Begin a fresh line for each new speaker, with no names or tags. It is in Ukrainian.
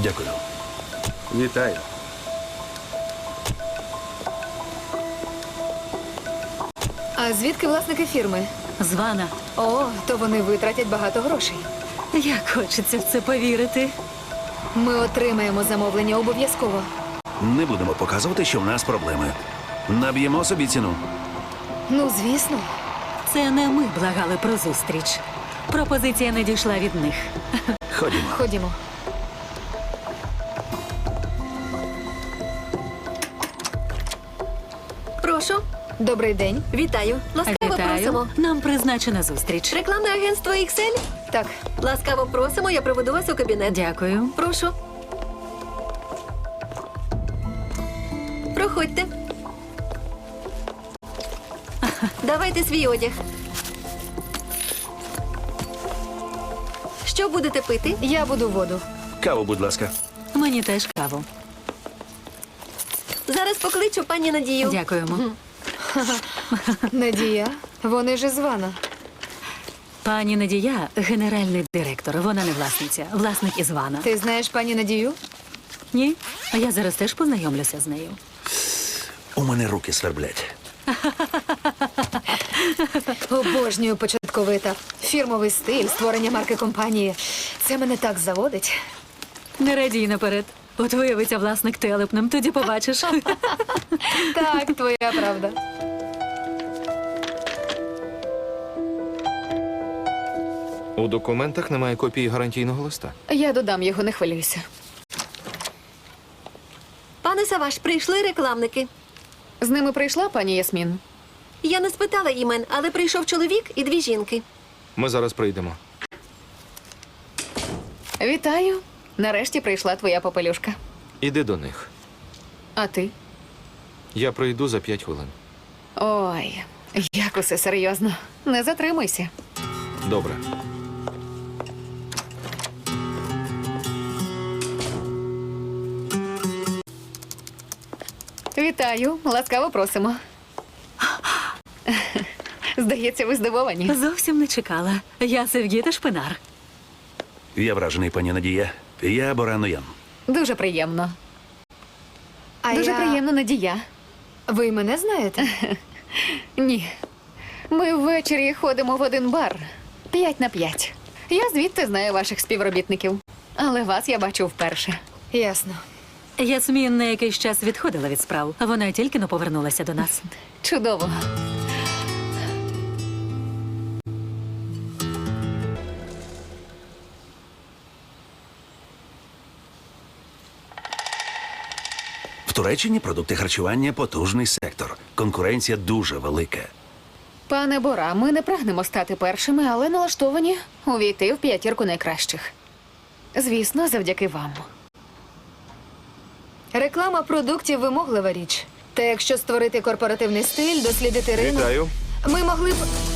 Дякую.
Вітаю.
А звідки власники фірми?
Звана.
О, то вони витратять багато грошей.
Як хочеться в це повірити.
Ми отримаємо замовлення обов'язково.
Не будемо показувати, що в нас проблеми. Наб'ємо собі ціну.
Ну, звісно.
Це не ми благали про зустріч. Пропозиція не дійшла від них.
Ходімо.
Ходімо.
Прошу,
Добрий день.
вітаю. Ласкаво просимо.
Вітаю. Нам призначена зустріч.
Рекламне агентство XL?
Так,
Ласкаво просимо, я проведу вас у кабінет.
Дякую.
Прошу. Проходьте. Давайте свій одяг. Що будете пити?
я буду воду.
Каву, будь ласка.
Мені теж каву.
Зараз покличу пані Надію.
Дякуємо.
Надія, вони ж із Вана.
Пані Надія – генеральний директор. Вона не власниця. Власник із Вана.
Ти знаєш пані Надію?
Ні? А я зараз теж познайомлюся з нею.
У мене руки сверблять.
Обожнюю початковий етап. Фірмовий стиль, створення марки компанії. Це мене так заводить.
Не радій наперед. От виявиться власник телепним, тоді побачиш.
Так, твоя правда.
У документах немає копії гарантійного листа.
Я додам його, не хвилюйся.
Пане Саваш, прийшли рекламники.
З ними прийшла пані Ясмін?
Я не спитала імен, але прийшов чоловік і дві жінки.
Ми зараз прийдемо.
Вітаю. Нарешті прийшла твоя попелюшка.
Іди до них.
А ти?
Я прийду за 5 хвилин.
Ой, як усе серйозно. Не затримуйся.
Добре.
Вітаю, ласкаво просимо. Здається, ви здивовані.
Зовсім не чекала. Я Севгіта Шпинар.
Я вражений, пані Надія. Я Боран Ян.
Дуже приємно.
Дуже приємно, Надія.
Ви мене знаєте?
Ні. Ми ввечері ходимо в один бар. 5 на 5. Я звідти знаю ваших співробітників. Але вас я бачу вперше.
Ясно.
Ясмін на якийсь час відходила від справ. Вона тільки но повернулася до нас.
Чудово.
В Туреччині продукти харчування – потужний сектор. Конкуренція дуже велика.
Пане Бора, ми не прагнемо стати першими, але налаштовані увійти в 5 найкращих. Звісно, завдяки вам.
Реклама продуктів – вимоглива річ. Та якщо створити корпоративний стиль, дослідити ринок...
Вітаю.
Ми могли б...